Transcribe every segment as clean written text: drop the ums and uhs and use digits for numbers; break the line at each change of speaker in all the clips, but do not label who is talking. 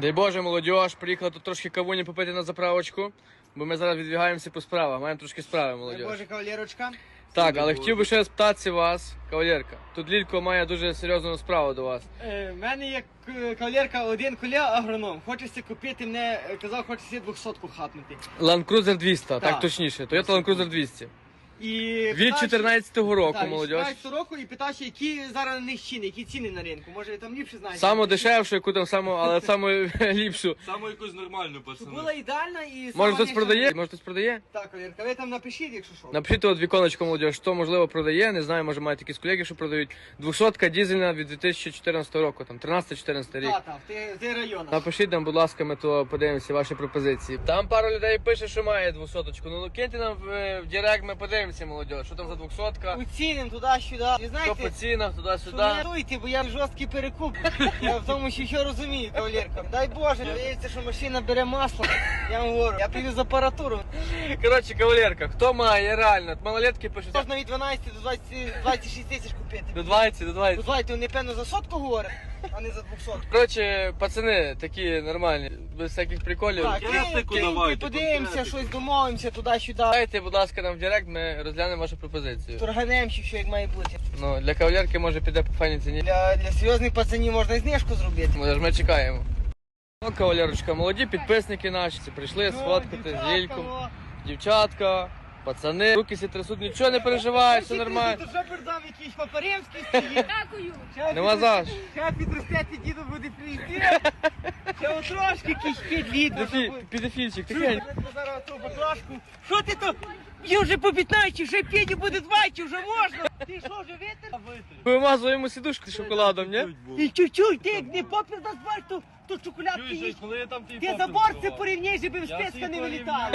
Дай Боже, молодіж, приїхала тут трошки кавуні попити на заправочку, бо ми зараз відвігаємося по справах, маємо трошки справи, молодіж.
Боже, кавалерочка.
Так, але хотів би ще спитатися вас, кавалерка. Тут Лілько має дуже серйозну справу до вас.
В мене є кавалерка, один колега агроном. Хочеться купити, мене казав, хочеться 200-ку хапнути.
Land Cruiser 200, так
Так.
точніше. Toyota Land Cruiser 200.
І
Від 14-го року,
так,
молодіж.
14 року і питався, які зараз на них ціни, які ціни на ринку. Може ви там ліпше знаєте?
Саму дешевшу, яку там саму, але саму ліпшу.
Саме якусь нормальну,
Щоб
пацани.
була ідеальна і
Може
сама
хтось
ніжна.
продає? Може хтось продає?
Так, кавалерка, ви там напишіть, якщо що.
Напишіть от віконечко, молодіж, що можливо продає, не знаю, може мають якісь колеги, що продають. 200-ка дізельна від 2014 року, там 13-14 рік.
Так, в тих районах.
Напишіть нам, будь ласка, ми то подивимося ваші пропозиції. Там пару людей пише, що має 200-очку. Ну киньте нам в директ, ми подивимося, молодіж, що там за 200-ка.
Уціним туди-сюди. Ви
Що
знаєте,
по цінах,
що
туди-сюди.
не дуйте, бо я жорсткий перекуп. Я в тому що розумію, кавалерка. Дай Боже, здається, що машина бере масло. Я вам говорю, я привіз апаратуру.
Коротше, кавалерка, хто має реально, малолетки пишуть.
Можна від 12 до 26 тисяч купити.
До 20, до 20.
Дозвольте, вони певно за сотку говорять, а не за 200.
Коротше, пацани такі нормальні, без всяких приколів.
Так,
Крестику
киньте,
давайте,
подивимося,
конкретику.
щось домовимося туди-сюди.
Дайте, будь ласка, нам в директ, ми розглянемо вашу пропозицію.
Торганемося, що як має бути.
Ну, для кавалерки може піде по файній ціні.
Для серйозних пацанів можна і знижку зробити.
Може, ми чекаємо. Ну, кавалерочка, молоді підписники наші прийшли сфоткати з Лільком. Дівчатка, пацани, руки сі трясуть, нічого не переживай, все нормально.
Тут що передав якийсь Папаревський стоїть.
Дякую.
Нема за що.
Ще підростете, діду буде прийти. Ще от трошки якийсь підлід.
Підефільчик, тихенько.
Зараз ту баклажку. Що ти то? Є вже по 15, вже Педі буде 20, вже можна. Ти що, вже витер?
Вимазуємо сідушку шоколадом, ні?
І чуть-чуть, ти як не попір дасть бачиш, то чоколядки їсть.
Коли я там ті
Ти забор це порівняй, щоб в спецка не вилітали.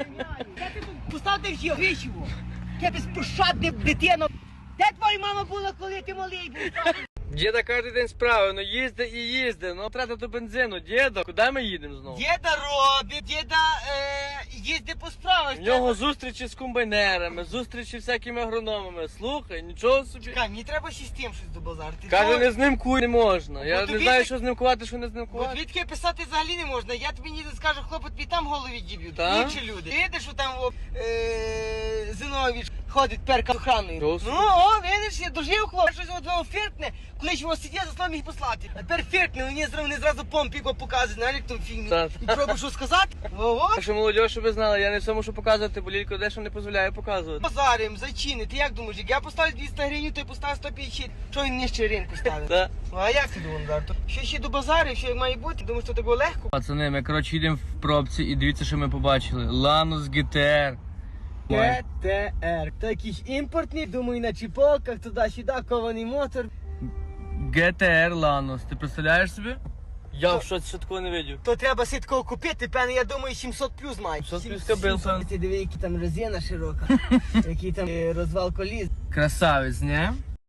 Поставте всі вічиво. Я безпощадне дитино. Де твоя мама була, коли ти малий був?
Діда кожен день справи, ну їзде і їзде, ну тратити бензину. Діда, куди ми їдемо знову?
Діда робить, діда їздить по справах.
В нього зустрічі з комбайнерами, зустрічі з всякими агрономами. Слухай, нічого собі.
Чекай, мені треба ще з тим щось до базару.
Каже, не з ним куй не можна. Я
От
не
тобі
знаю,
так-
що з ним кувати, що не з ним
От
кувати.
відки писати взагалі не можна. Я тобі ніде скажу, хлопець, тобі там голові діб'ють.
Так?
Інші люди. Ти видиш, що там Зинович ходить перка охраною.
То собі.
Ну, о, видиш, я дожив хлопець. Щось одного фіртне, коли ж його сидять, за словом їх послати. А тепер фіртне, вони зразу помпіко показують, знаєш, як в тому фільмі.
Так.
І пробуй що сказати. Ого.
Так що, молодь, щоб ви знали, я не все мушу показувати, бо Лілько дещо не дозволяє показувати.
Базарим, зайчини, ти як думаєш, як я поставлю 200 гривень, то й поставив 150. Чого він нижче ринку ставить?
Так.
Ну, а як ти думаєш, Дарто? Що ще до базарів, що як має бути? Думаєш, що такого легко?
Пацани, ми, коротше, їдемо в пробці і дивіться, що ми побачили. Lanus GTR.
ГТР. То якийсь імпортний, думаю, на чіпоках, туди-сюди, кований мотор.
GTR Lanus. Ти представляєш собі? Я в щось ще такого не видів.
То треба сіткого купити, певно, я думаю, 700 плюс має.
700 плюс кабел, певно.
Ти диви, які там резина широка, який там розвал коліс.
Красавець, не?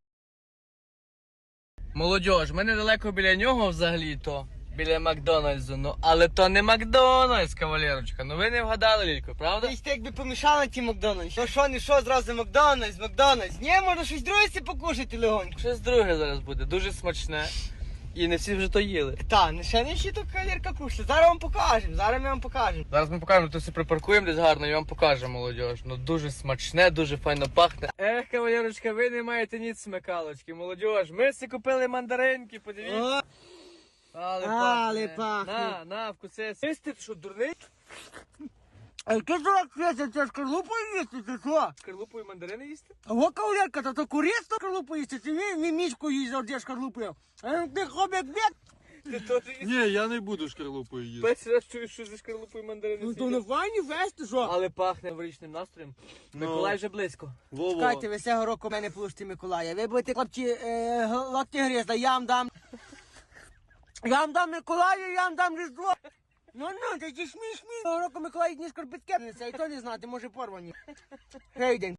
Молодіж, ми недалеко біля нього взагалі-то. Біля Макдональдсу, ну але то не Макдональдс, кавалерочка. Ну ви не вгадали, Лілько, правда?
Ти якби помішала ті Макдональдс. Ну що, не що, зразу Макдональдс. Ні, можна щось друге сі покушати легонько.
Щось друге зараз буде, дуже смачне. І не всі вже то їли.
Та, ще не всі тут кавалерка кушали. Зараз вам покажемо, зараз ми вам покажемо.
Зараз ми покажемо, то все припаркуємо десь гарно і вам покажемо, молодіж. Ну дуже смачне, дуже файно пахне. Ех, кавалерочка, ви не маєте ніц смекалочки, молодіж. Ми си купили мандаринки, подивіться.
О, Але пахне.
На, вкуси. Ти що, дурний?
а яке дурак Феся, це шкарлупою їсти, ти що?
Шкарлупою мандарини їсти?
А во кавалерка, то корисно шкарлупу їсти, чи він мічку їсть завжди шкарлупою. А ти хобік бід.
Ти теж їсти?
Ні, я не буду шкарлупою їсти.
Перший раз чую, що за шкарлупою мандарини
Ну то
їсти.
не файні вести, що?
Але пахне новорічним настроєм. Миколай вже близько.
Во-во.
Чекайте, ви цього року мене получите Миколая. Ви будете, хлопці, лапті гризли, я вам дам. Я вам дам Миколая, я вам дам Різдво. Ну, ти смішні. Цього року Миколай дні шкарпетки несе, і то не знати, може порвані. Гейден.